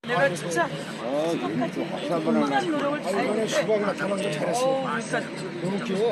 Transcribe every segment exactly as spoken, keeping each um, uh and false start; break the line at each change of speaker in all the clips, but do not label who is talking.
내가 진짜 수박까지 얼마나 노력을 다했는데
수박이 나타난 거 잘했어.
어, 그러니까
너무 귀여워.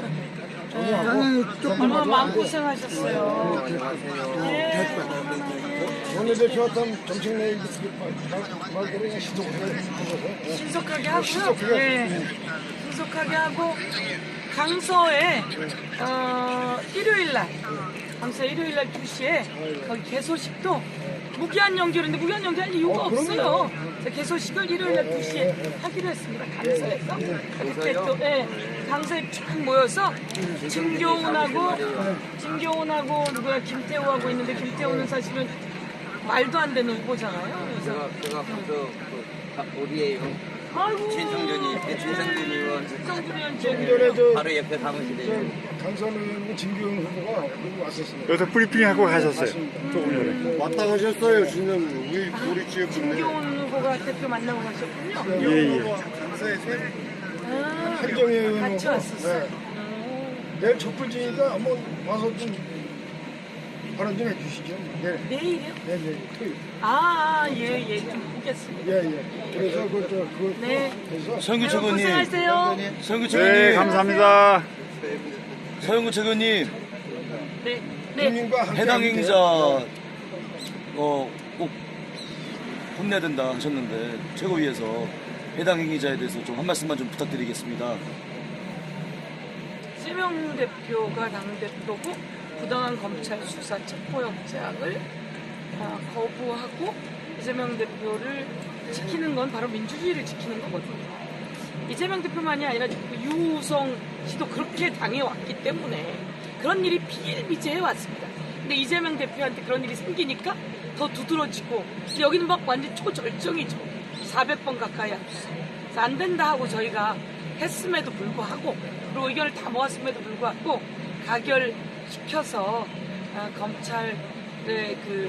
얼마나 마음고생하셨어요. 예.
원내대표 왔던 정책내 말대로 그냥 신속하게
신속하게 하고요. 예. 신속하게 하고 강서에 어, 일요일 날 강서 일요일 날 두 시에 거기 개소식도 무기한 연결인데 무기한 연결할 이유가
어,
없어요. 그래서 개소식을 일요일 날 두 시에 하기로 했습니다. 강서에서. 그때 또 예, 강서에 쫙 모여서 진교훈하고 진교훈하고 누구야 김태우하고 있는데 김태우는 사실은 말도 안 되는 후보잖아요. 그래서
제가 먼저 그 우리의
아이고
진성준이 진성준 의원
진성준 의원
좀
저기
전에 저
바로 옆에 사무실에
강선 의원 진규현 후보가 여기 왔었습니다.
여기서 브리핑 하고 가셨어요. 조금 전에.
왔다 가셨어요. 지금 우리 우리 지역
진교훈 후보가 대표 만나고 가셨군요.
예, 예.
아,
한정희 의원
같이
후보.
왔었어요.
네.
어,
내일 첫 번째니까 한번 와서 좀 발언 좀 해주시죠. 네.
내일이요?
네, 네, 토요일.
아, 예, 예, 좀 보겠습니다.
예, 예. 그래서 그, 저, 그,
네.
그래서
서영구
여러분
최고님,
고생하세요.
서영구
네,
최고님,
감사합니다.
서영구 최고님
네, 네.
국민과 함께
해당
하는데
행사 어꼭 혼내야 된다 하셨는데 최고위에서 해당 행위자에 대해서 좀 한 말씀만 좀 부탁드리겠습니다.
이재명 대표가 당대표고 부당한 검찰 수사 체포영장을 아, 거부하고 이재명 대표를 지키는 건 바로 민주주의를 지키는 거거든요. 이재명 대표만이 아니라 그 유우성 씨도 그렇게 당해왔기 때문에 그런 일이 비일비재해 왔습니다. 근데 이재명 대표한테 그런 일이 생기니까 더 두드러지고 여기는 막 완전 초절정이죠. 사백 번 가까이 합수사. 그래서 안 된다 하고 저희가 했음에도 불구하고 그리고 의견을 다 모았음에도 불구하고 가결시켜서 아, 검찰의 그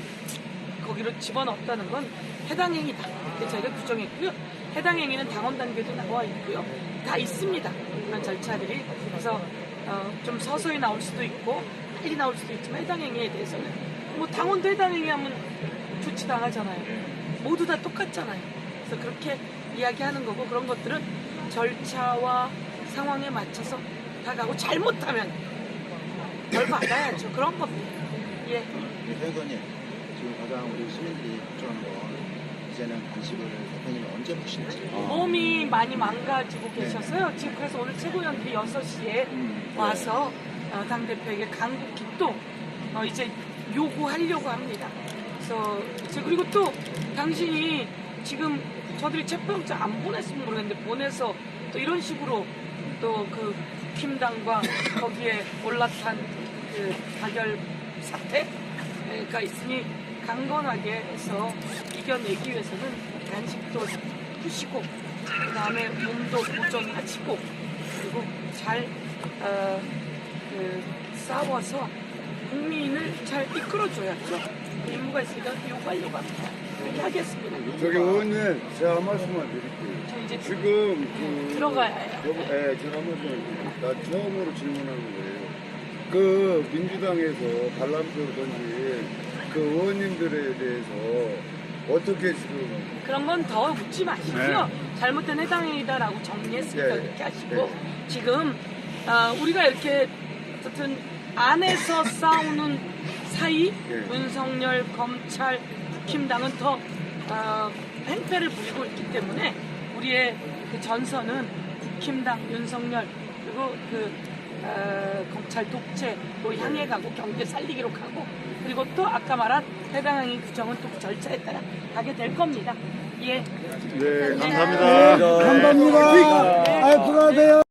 거기로 집어넣었다는 건 해당 행위다. 이렇게 저희가 규정했고요. 해당 행위는 당원 단계도 나와 있고요. 다 있습니다. 그런 절차들이. 그래서 어, 좀 서서히 나올 수도 있고 빨리 나올 수도 있지만 해당 행위에 대해서는 뭐 당원도 해당 행위하면 조치당하잖아요. 모두 다 똑같잖아요. 그래서 그렇게 이야기하는 거고 그런 것들은 절차와 상황에 맞춰서 다가고 잘못하면 벌 받아야죠. 그런 겁니다. 예.
대표님 지금 가장 우리 시민들이 걱정하는 건 이제는 단식을 대표님이 언제 보실지.
몸이 많이 망가지고 계셔서요. 지금 그래서 오늘 최고위원들이 여섯 시에 와서 어, 당대표에게 간곡히 또 어, 이제 요구하려고 합니다. 그래서 이제 그리고 또 당신이 지금 저들이 체포영장 안 보냈으면 모르겠는데 보내서 또 이런 식으로 또 그 국힘당과 거기에 올라탄 그 가결 사태가 있으니 강건하게 해서 이겨내기 위해서는 단식도 푸시고 그 다음에 몸도 보존하시고 그리고 잘 어, 그 싸워서 국민을 잘 이끌어줘야죠. 임무가 있으니까 요구하려고 합니다. 그렇게 하겠습니다.
저기 의원님 제가 한 말씀만 드릴게요.
저 이제
지금 그
들어가야 해요.
여보, 예, 제가 한 말씀 나 처음으로 질문하는 거예요. 그 민주당에서 반란표를 던진 그 의원님들에 대해서 어떻게 지금
그런 건 더 묻지 마시고요. 잘못된 해당행위다라고 정리했으니까
네.
그렇게 하시고 지금 어, 우리가 이렇게 어쨌든 안에서 싸우는 사이
네.
윤석열, 검찰, 국힘당은 더 어, 행패를 부리고 있기 때문에 우리의 그 전선은 국힘당, 윤석열 그리고 그 어, 검찰 독재로 향해 가고 경제 살리기로 가고 그리고 또 아까 말한 해당 행위 규정은 또 절차에 따라 가게 될 겁니다. 예.
네, 감사합니다.
감사합니다. 아, 들어가세요.